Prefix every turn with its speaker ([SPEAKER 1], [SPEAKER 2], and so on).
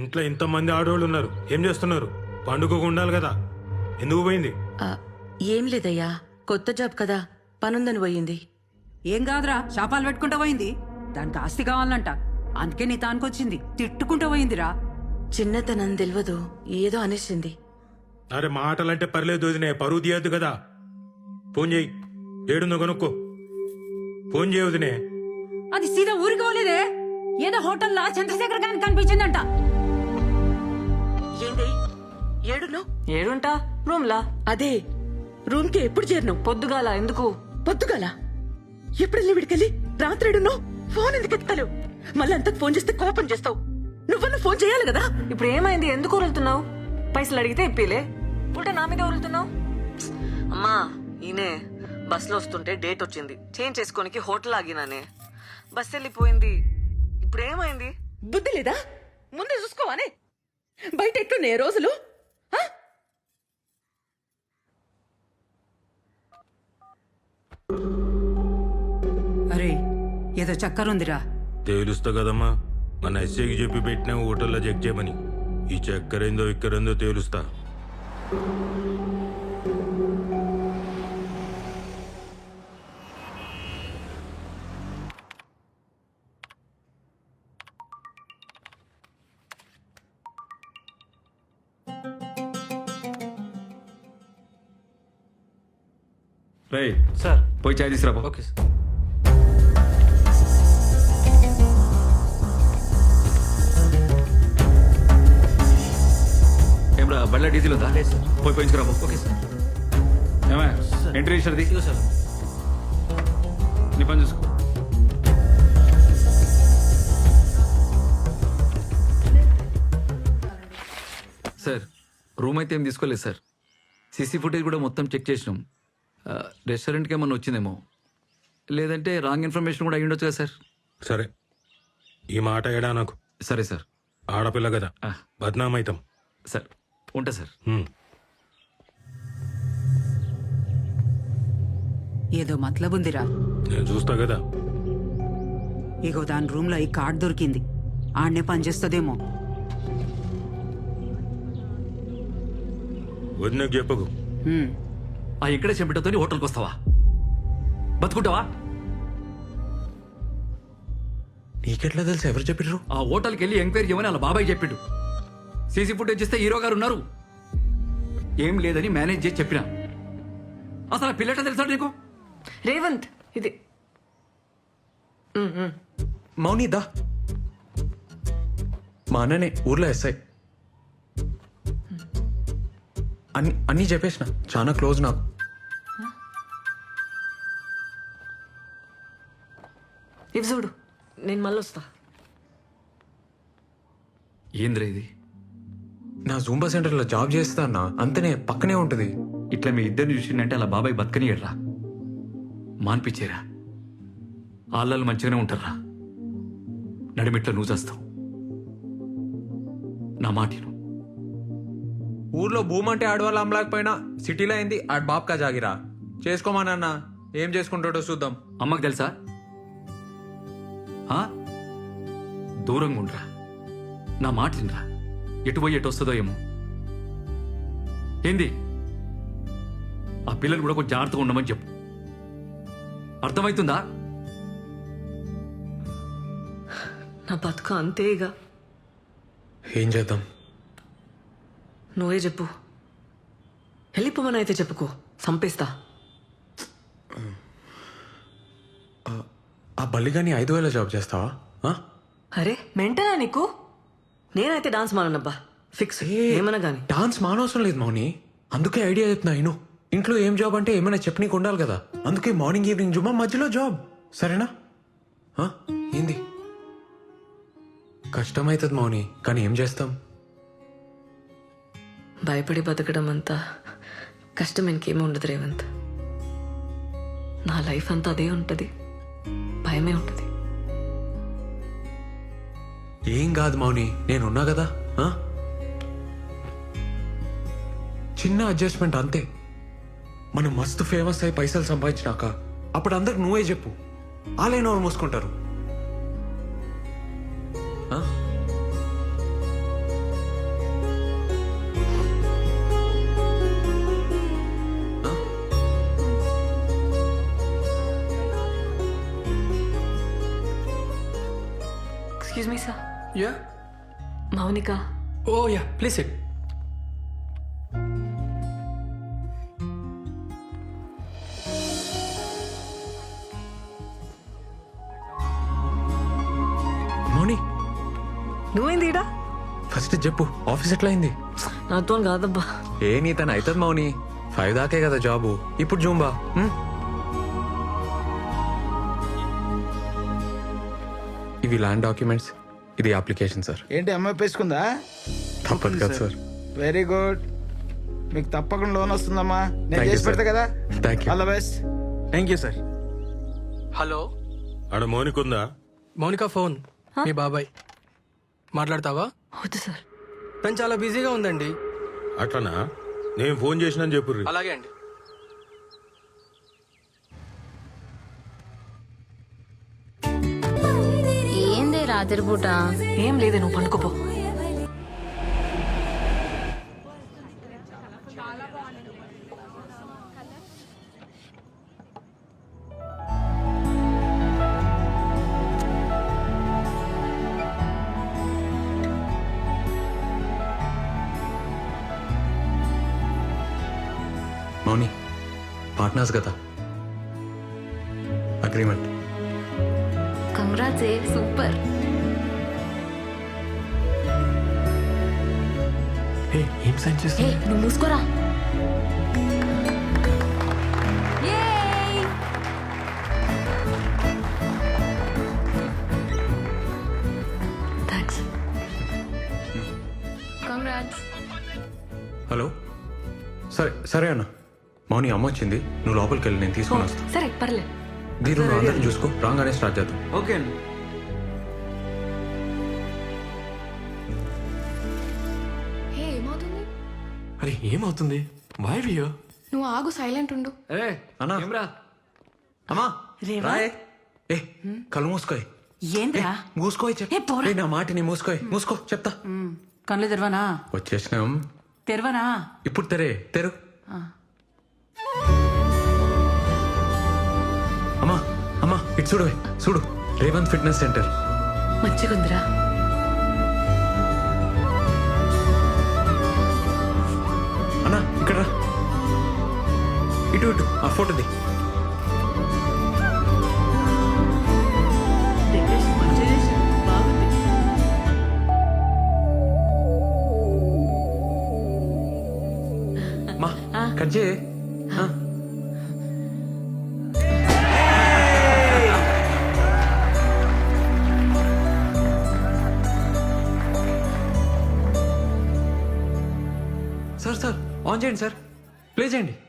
[SPEAKER 1] ఇంట్లో ఇంతమంది ఆడవాళ్ళు ఉన్నారు, ఏం చేస్తున్నారు? పండుగకు ఉండాలి కదా, ఎందుకు పోయింది?
[SPEAKER 2] ఏం లేదయ్యా, కొత్త జాబ్ కదా, పనుందని పోయింది.
[SPEAKER 3] ఏం కాదురా, శాపాలు పెట్టుకుంటూ పోయింది. దానికి ఆస్తి కావాలంట, అందుకే నీ తానుకొచ్చింది. తిట్టుకుంటూ పోయిందిరా.
[SPEAKER 2] చిన్నతనం తెలియదు, ఏదో అనేసింది.
[SPEAKER 1] అరే మాటలంటే పర్లేదు వదినే, పరువు తీయద్దు కదా. ఫోన్ చేయి, ఏడుందో కనుక్కో. ఫోన్ చేయి వదినే.
[SPEAKER 3] అది సీదా ఊరికి పోలేదే, ఏదో హోటల్లో చంద్రశేఖర్ గారికి కనిపించిందంట.
[SPEAKER 2] ఏంది ఏడును?
[SPEAKER 4] ఏడుంటా రూమ్లా.
[SPEAKER 2] అదే రూమ్ కి ఎప్పుడు చేరినావు?
[SPEAKER 4] పొద్దుగాల ఎందుకు?
[SPEAKER 2] పొద్దుగాల ఎప్పుడు విడికెళ్ళి రాత్రేడును? ఫోన్ ఎందుకు ఎత్తావు? మళ్ళీ అంతకు ఫోన్ చేస్తే కోపం చేస్తావు. నువ్వన్నా ఫోన్ చేయాలి కదా.
[SPEAKER 4] ఇప్పుడు ఏమైంది? ఎందుకు ఉరులుతున్నావు? పైసలు అడిగితే ఇప్పిలే, ఉల్టా నా మీద ఉరులుతున్నావు. అమ్మా ఈయనే బస్ లో వస్తుంటే డేట్ వచ్చింది, చేంజ్ చేసుకోనికి హోటల్ ఆగినానే. బస్ వెళ్ళిపోయింది. ఇప్పుడు ఏమైంది?
[SPEAKER 2] బుద్ధి లేదా? ముందే చూసుకోవానే. బయట ఎట్లున్నాయి రోజులు?
[SPEAKER 3] అరే ఏదో చక్కరుందిరా.
[SPEAKER 1] తేలుస్తా కదమ్మా, మన ఎస్ఐకి చెప్పి పెట్టినా హోటల్లో చెక్ చేయమని. ఈ చక్కరేందో ఇక్కరేందో తేలుస్తా.
[SPEAKER 5] రేయ్
[SPEAKER 6] సార్.
[SPEAKER 5] పోయి చాయ్ తీసుకురా.
[SPEAKER 6] Okay sir.
[SPEAKER 5] ఏమ్రా బండ్ల డీజిల్ ఉందా?
[SPEAKER 6] లేదు సార్.
[SPEAKER 5] పోయి పోయించుకురా.
[SPEAKER 6] Okay sir.
[SPEAKER 5] ఏమా
[SPEAKER 6] సార్.
[SPEAKER 5] ఎంట్రీ ఇచ్చినది?
[SPEAKER 6] ఇదిగో సార్.
[SPEAKER 5] నీ పని చూసుకో. సార్ రూమ్ అయితే ఏం తీసుకోలేదు సార్. సీసీ ఫుటేజ్ కూడా మొత్తం చెక్ చేసినాం. రెస్టారెంట్కి ఏమన్నా వచ్చిందేమో, లేదంటే రాంగ్ ఇన్ఫర్మేషన్ కూడా అయ్యుండొచ్చు కదా సార్.
[SPEAKER 1] సరే, ఈ మాట ఏడా నాకు.
[SPEAKER 5] సరే సార్.
[SPEAKER 1] ఆడపిల్ల కదా, బద్నామైతాం.
[SPEAKER 5] సార్ ఉంటా సార్.
[SPEAKER 3] ఏదో మతలబుందిరా.
[SPEAKER 1] నేను చూస్తా కదా.
[SPEAKER 3] ఇగో దాని రూమ్ లో ఈ కార్డ్ దొరికింది, ఆడనే పనిచేస్తుందేమో.
[SPEAKER 1] వదినకు చెప్పకు.
[SPEAKER 5] ఇక్కడే చెంపటతో హోటల్కి వస్తావా? బతుకుంటావా?
[SPEAKER 6] నీకెట్లా తెలుసు? ఎవరు చెప్పిర్రు?
[SPEAKER 5] ఆ హోటల్కి వెళ్ళి ఎంక్వైరీ చేయమని అలా బాబాయ్ చెప్పిండు. సీసీ ఫుటేజ్ ఇస్తే హీరో గారు ఉన్నారు. ఏం లేదని మేనేజ్ చేసి చెప్పినా. అసలు ఆ పిల్లట తెలుసా నీకు?
[SPEAKER 4] రేవంత్ ఇది
[SPEAKER 6] మౌని దా. మా అన్ననే ఊర్లో ఎస్ఐ. అన్నీ చెప్పేసిన, చాలా క్లోజ్ నాకు.
[SPEAKER 4] ఇవి చూడు, నేను మళ్ళీ వస్తా.
[SPEAKER 5] ఏంద్రా ఇది?
[SPEAKER 6] నా జూంబా సెంటర్లో జాబ్ చేస్తా అన్న, అంతనే పక్కనే ఉంటుంది.
[SPEAKER 5] ఇట్లా మీ ఇద్దరిని చూసిందంటే అలా బాబాయ్ బతకనియడ్రా, మాన్పించేరా. ఆళ్ళలు మంచిగానే ఉంటారా. నడిమిట్లో నువ్వు చేస్తావు. నా మాటిను.
[SPEAKER 6] ఊర్లో భూమి అంటే ఆడవాళ్ళు అమ్మలేకపోయినా సిటీలో అయింది ఆడ బాబ్కా జాగిరా. చేసుకోమానన్న, ఏం చేసుకుంటాడో చూద్దాం.
[SPEAKER 5] అమ్మకు తెలుసా? దూరంగా ఉండరా. నా మాట తినరా. ఎటు పోయి ఎటు వస్తుందో ఏమో. ఏంది? ఆ పిల్లలు కూడా కొంచెం జాగ్రత్తగా ఉండమని చెప్పు. అర్థమవుతుందా?
[SPEAKER 4] నా బతుక అంతేగా.
[SPEAKER 6] ఏం చేద్దాం?
[SPEAKER 4] నువ్వే చెప్పు. వెళ్ళిపోమని అయితే చెప్పుకో, చంపేస్తా.
[SPEAKER 6] ఆ బల్లిగాని 5,000 జాబ్ చేస్తావా?
[SPEAKER 4] అరే మెంటనా నీకు? నేనైతే డాన్స్ మానబ్బా, ఫిక్స్. ఏమన్నా గానీ
[SPEAKER 6] డాన్స్ మానవసరం లేదు మౌని, అందుకే ఐడియా చెప్తున్నా. నేను ఇంట్లో ఏం జాబ్ అంటే ఏమైనా చెప్పనీకి ఉండాలి కదా, అందుకే మార్నింగ్ ఈవినింగ్ జుమ్మా, మధ్యలో జాబ్. సరేనా? ఏంది? కష్టమవుతుంది మౌని, కానీ ఏం చేస్తాం?
[SPEAKER 4] భయపడి బతకడం అంతా కష్టం ఇంకేమీ ఉండదు రేవంత్. నా లైఫ్ అంతా అదే ఉంటుంది, భయమే ఉంటుంది.
[SPEAKER 6] ఏం కాదు మౌని, నేనున్నా కదా. చిన్న అడ్జస్ట్మెంట్ అంతే. మనం మస్తు ఫేమస్ అయి పైసలు సంపాదించినాక అప్పుడు అందరికి నువ్వే చెప్పు, ఆలైన వాళ్ళు మూసుకుంటారు.
[SPEAKER 4] Excuse me sir,
[SPEAKER 7] yeah
[SPEAKER 4] Mounika.
[SPEAKER 7] ఓ యా ప్లీజ్ సిట్.
[SPEAKER 6] మౌని
[SPEAKER 4] నువ్వేంది ఈడ?
[SPEAKER 6] ఫస్ట్ చెప్పు ఆఫీస్ ఎట్లా అయింది?
[SPEAKER 4] నాతో కాదబ్బా.
[SPEAKER 6] ఏ నీ తను అవుతుంది మౌని, 5 దాకే కదా జాబు. ఇప్పుడు జూంబా. ఇవి ల్యాండ్ డాక్యుమెంట్స్, ఇది అప్లికేషన్ సార్.
[SPEAKER 8] ఏంటి అమ్మాయి పేసుకుందా?
[SPEAKER 6] తప్పదు కదా సార్.
[SPEAKER 8] వెరీ గుడ్, మీకు తప్పకుండా లోన్ వస్తుందమ్మా. నేను
[SPEAKER 6] Thank you,
[SPEAKER 8] చేసి పెడతా
[SPEAKER 6] sir.
[SPEAKER 8] కదా.
[SPEAKER 6] Thank you.
[SPEAKER 8] All the best.
[SPEAKER 7] Thank you sir. Hello,
[SPEAKER 1] ఆడ మౌనికుందా?
[SPEAKER 7] మౌనిక ఫోన్ మీ బాబాయ్. మాట్లాడతావా?
[SPEAKER 4] వద్దు సార్.
[SPEAKER 7] తను చాలా బిజీగా ఉందండి.
[SPEAKER 1] అట్లనా? నేను ఫోన్ చేసినా చెప్పుర్రి.
[SPEAKER 7] అలాగే అండి.
[SPEAKER 9] ఏందే రాత్రిపూట?
[SPEAKER 4] ఏం లేదే, నువ్వు పండుకోపో.
[SPEAKER 6] మౌని పార్ట్నర్స్ కదా, అగ్రిమెంట్.
[SPEAKER 9] కంగ్రాట్స్ ఏ సూపర్.
[SPEAKER 6] ఏం సైన్ చేస్తా?
[SPEAKER 9] హే నువ్వు మూసుకోరా.
[SPEAKER 4] థ్యాంక్స్.
[SPEAKER 9] కంగ్రాట్స్.
[SPEAKER 6] హలో, సరే సరే అన్న. మౌని అమ్మ వచ్చింది, నువ్వు లోపలికి వెళ్ళి నేను తీసుకొని వస్తాను.
[SPEAKER 4] సరే పర్లే.
[SPEAKER 6] దీని అందరిని చూసుకో, రాగానే స్టార్ట్ చేద్దాం.
[SPEAKER 5] ఓకే అండి.
[SPEAKER 9] హే ఏమవుతుంది?
[SPEAKER 7] అరే ఏమవుతుంది? వై వియో?
[SPEAKER 9] నువ్వు ఆగు, సైలెంట్ ఉండు.
[SPEAKER 5] ఏ
[SPEAKER 6] అన్నా.
[SPEAKER 5] ఏమ్రా?
[SPEAKER 6] అమ్మా
[SPEAKER 3] రేవా?
[SPEAKER 6] రాయే. ఏ కళ్ళు మూసుకోయ్.
[SPEAKER 3] ఏంద్రా?
[SPEAKER 6] మూసుకోయ్
[SPEAKER 3] ఏ, పోరా.
[SPEAKER 6] నా మాటిని మూసుకోయ్. మూసుకో చెప్తా.
[SPEAKER 3] కళ్ళు తెరవనా?
[SPEAKER 6] వచ్చేసినాం.
[SPEAKER 3] తెరవనా?
[SPEAKER 6] ఇప్పుడు తెరు. అమ్మా ఇటు చూడు రేవంత్ ఫిట్నెస్ సెంటర్.
[SPEAKER 4] మంచిగుందిరా.
[SPEAKER 6] అన్నా ఇక్కడ రా. ఇటు ఆ ఫోటోది.
[SPEAKER 3] డెకరేషన్ మంచిగా చేశారు. బాగుంది.
[SPEAKER 6] మా కట్ చేయి. సార్ ఆన్ చేయండి సార్, ప్లే చేయండి.